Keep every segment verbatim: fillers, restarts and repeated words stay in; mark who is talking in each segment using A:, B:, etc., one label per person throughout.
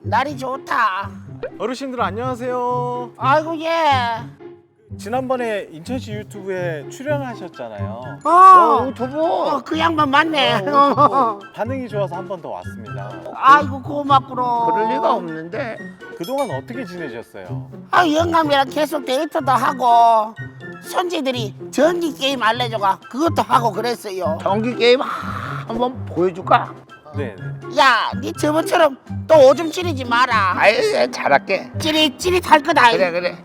A: 날이 좋다.
B: 어르신들 안녕하세요.
A: 아이고 예.
B: 지난번에 인천시 유튜브에 출연하셨잖아요.
A: 어,
C: 유튜브.
A: 어, 그 양반 맞네.
B: 어,
A: 어.
B: 반응이 좋아서 한 번 더 왔습니다.
A: 아이고 고맙구로.
C: 그럴 리가 없는데.
B: 그동안 어떻게 지내셨어요?
A: 아 영감이랑 계속 데이트도 하고 손지들이 전기 게임 알려줘가 그것도 하고 그랬어요.
C: 경기 게임 한번 보여줄까?
B: 네.
A: 야, 니 저번처럼 또 오줌 찌르지 마라.
C: 아이, 잘할게.
A: 찌릿찌릿할 거다.
C: 그래 그래.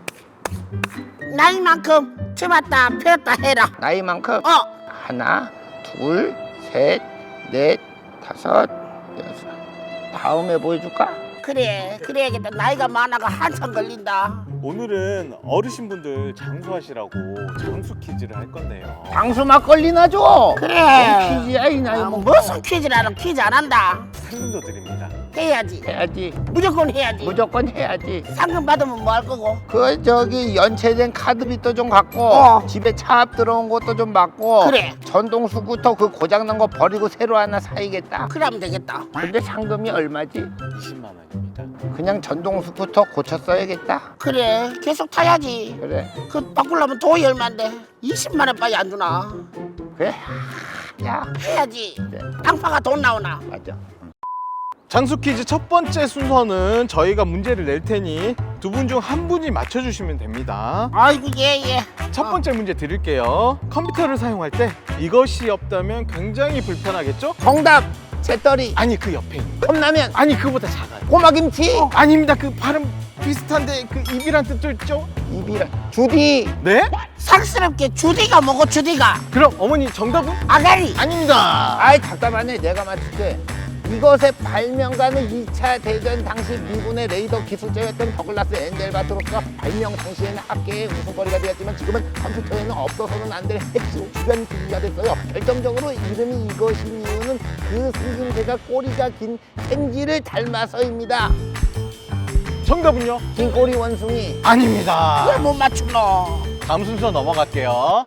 A: 나이만큼 접었다 폈다 해라.
C: 나이만큼.
A: 어.
C: 하나, 둘, 셋, 넷, 다섯, 여섯. 다음에 보여줄까?
A: 그래 그래야겠다. 나이가 많아가 한참 걸린다.
B: 오늘은 어르신분들 장수하시라고 장수 퀴즈를 할 건데요.
C: 장수 막걸리 나줘.
A: 그래.
C: 퀴즈야 이 나이
A: 아,
C: 먹.
A: 무슨 퀴즈라는 퀴즈 안 한다.
B: 상금도 드립니다.
A: 해야지.
C: 해야지.
A: 무조건 해야지.
C: 무조건 해야지.
A: 상금 받으면 뭐 할 거고?
C: 그 저기 연체된 카드빚도 좀 갖고
A: 어.
C: 집에 차 앞 들어온 것도 좀 받고
A: 그래.
C: 전동 스쿠터 그 고장난 거 버리고 새로 하나 사야겠다.
A: 그러면 되겠다.
C: 근데 상금이 얼마지?
B: 이십만 원입니다.
C: 그냥 전동 스쿠터 고쳐 써야겠다.
A: 그래 계속 타야지.
C: 그래
A: 그 바꾸려면 돈이 얼만데 이십만 원밖에 안 주나?
C: 그래. 야
A: 해야지.
C: 그래
A: 당파가 돈 나오나?
C: 맞아.
B: 장수 퀴즈 첫 번째 순서는 저희가 문제를 낼 테니 두 분 중 한 분이 맞춰주시면 됩니다.
A: 아이고 예예.
B: 첫 번째 문제 드릴게요. 컴퓨터를 사용할 때 이것이 없다면 굉장히 불편하겠죠?
C: 정답 재떨이
B: 아니 그 옆에 있는 거.
C: 컵라면
B: 아니 그보다 작아요.
C: 꼬마김치
A: 어.
B: 아닙니다. 그 발음 비슷한데 그 입이란 뜻도 있죠?
C: 입이랑 주디
B: 네?
A: 상스럽게 주디가 뭐고 주디가?
B: 그럼 어머니 정답은?
A: 아가리.
B: 아닙니다.
C: 아이 답답하네. 내가 맞출게. 이것의 발명가는 이 차 대전 당시 미군의 레이더 기술자였던 더글라스 엔델바트로스가 발명 당시에는 학계의 웃음거리가 되었지만 지금은 컴퓨터에는 없어서는 안 될 핵심 주변 기기가 됐어요. 결정적으로 이름이 이것인 이유는 그 생김새가 꼬리가 긴 생쥐를 닮아서입니다.
B: 정답은요?
C: 긴 꼬리 원숭이.
B: 아닙니다.
A: 왜 못 맞추노?
B: 다음 순서 넘어갈게요.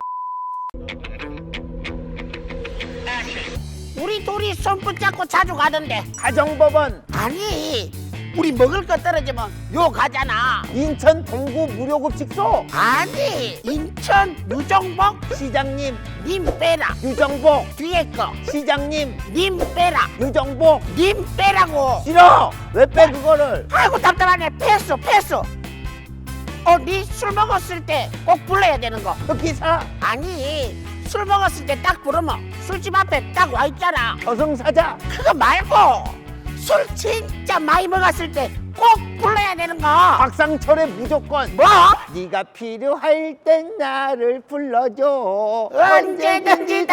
A: 우리 둘이 손 붙잡고 자주 가던데.
C: 가정법원.
A: 아니 우리 먹을 거 떨어지면 요 가잖아.
C: 인천 동구 무료급식소.
A: 아니 인천 유정복
C: 시장님
A: 님 빼라.
C: 유정복.
A: 뒤에 거
C: 시장님
A: 님 빼라.
C: 유정복.
A: 님 빼라고.
C: 싫어. 왜 빼 그거를?
A: 아이고 답답하네. 패스 패스. 어, 니 술 먹었을 때 꼭 불러야 되는 거.
C: 그 기사
A: 아니 술 먹었을 때 딱 부르면 술집 앞에 딱 와 있잖아.
C: 저승사자.
A: 그거 말고 술 진짜 많이 먹었을 때 꼭 불러야 되는 거.
C: 박상철의 무조건.
A: 뭐?
C: 네가 필요할 땐 나를 불러줘.
A: 언제든지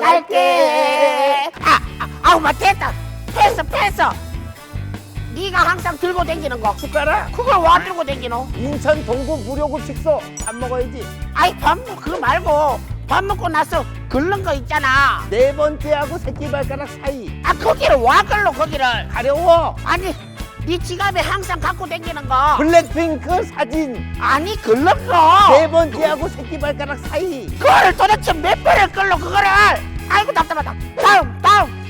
A: 달려갈게. 아, 아 아우 맞 됐다. 패스 패스. 네가 항상 들고 다니는 거.
C: 숟가락.
A: 그걸 와 들고 다니노?
C: 인천 동구 무료급식소. 밥 먹어야지.
A: 아이 밥 먹, 그거 말고 밥 먹고 나서 긁는 거 있잖아.
C: 네 번째하고 새끼발가락 사이.
A: 아 거기를 와 걸로 거기를.
C: 가려워.
A: 아니 네 지갑에 항상 갖고 다니는 거.
C: 블랙핑크 사진.
A: 아니 긁는 거.
C: 네 번째하고 새끼발가락 사이.
A: 그거를 도대체 몇 번을 끌러 그거를. 아이고 답답하다. 다음 다음.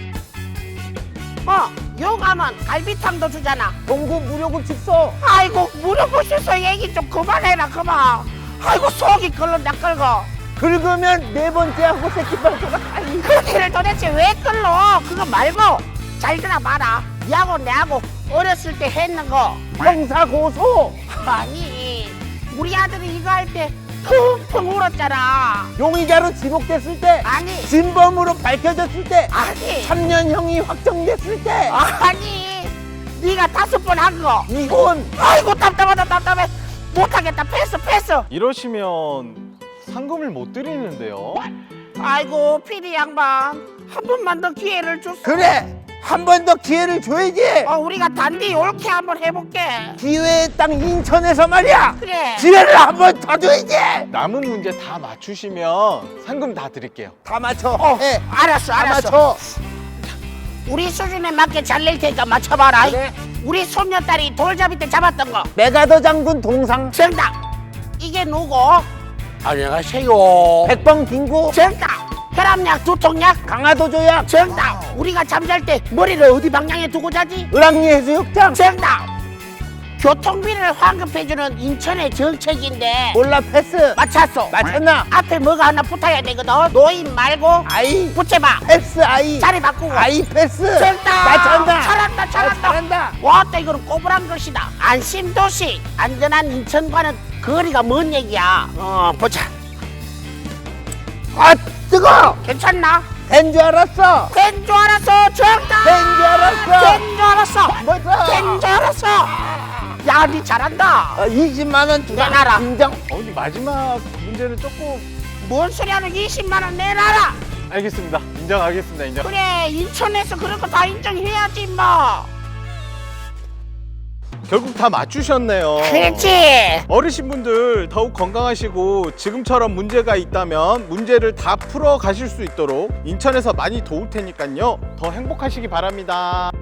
A: 뭐 요 가면 갈비탕도 주잖아.
C: 동구 무료급식소.
A: 아이고 무료급식소 얘기 좀 그만해라 그만. 아이고 속이 끓는다 끓고.
C: 긁으면 네 번째하고 새끼발가락 사이.
A: 거기를 도대체 왜 끌러? 그거 말고 잘 들어봐라. 니하고 내하고 어렸을 때 했는 거.
C: 형사고소.
A: 아니 우리 아들이 이거 할 때 펑펑 울었잖아.
C: 용의자로 지목됐을 때.
A: 아니
C: 진범으로 밝혀졌을 때.
A: 아니
C: 삼 년형이 확정됐을 때.
A: 아니 네가 다섯 번 한 거.
C: 이혼.
A: 아이고 답답하다 답답해. 못하겠다 패스 패스.
B: 이러시면 상금을 못 드리는데요.
A: 아이고 피디 양반 한 번만 더 기회를 줬어.
C: 그래 한 번 더 기회를 줘야지.
A: 어, 우리가 단디 옳게 한번 해볼게.
C: 기회의 땅 인천에서 말이야.
A: 그래.
C: 기회를 한 번 더 줘야지.
B: 남은 문제 다 맞추시면 상금 다 드릴게요.
C: 다 맞춰.
A: 어,
C: 해.
A: 알았어
C: 다
A: 알았어.
C: 맞춰.
A: 우리 수준에 맞게 잘 낼 테니까 맞춰봐라.
C: 그래.
A: 우리 손녀딸이 돌잡이 때 잡았던 거.
C: 메가더 장군 동상.
A: 정답. 이게 누구? 안녕하세요.
C: 백범 빙고.
A: 정답. 혈압약, 두통약.
C: 강화도 조약.
A: 정답. 우리가 잠잘 때 머리를 어디 방향에 두고 자지?
C: 을왕리 해수욕장.
A: 정답. 교통비를 환급해주는 인천의 정책인데
C: 몰라 패스.
A: 맞췄어.
C: 맞췄나?
A: 앞에 뭐가 하나 붙어야 되거든. 노인 말고
C: 아이
A: 붙여봐.
C: 패스 아이.
A: 자리 바꾸고.
C: 아이 패스.
A: 정답.
C: 맞췄나?
A: 잘한다
C: 아,
A: 잘한다.
C: 잘한다.
A: 왔다 이거는 꼬부랑 것이다. 안심도시. 안전한 인천과는 거리가 먼 얘기야. 어 보자.
C: 아 뜨거.
A: 괜찮나?
C: 된 줄 알았어.
A: 된 줄 알았어. 정답.
C: 된 줄 알았어.
A: 된 줄 알았어.
C: 뭐죠?
A: 된 줄 알았어. 야, 니 잘한다.
C: 어, 이십만 원 주라.
A: 내놔라.
C: 인정.
B: 어, 근데 마지막 문제는 조금
A: 뭔 소리 하는 이십만 원 내놔라.
B: 알겠습니다. 인정하겠습니다. 인정.
A: 그래, 인천에서 그런 거 다 인정해야지 뭐.
B: 결국 다 맞추셨네요.
A: 그렇지.
B: 어르신분들 더욱 건강하시고 지금처럼 문제가 있다면 문제를 다 풀어 가실 수 있도록 인천에서 많이 도울 테니까요. 더 행복하시기 바랍니다.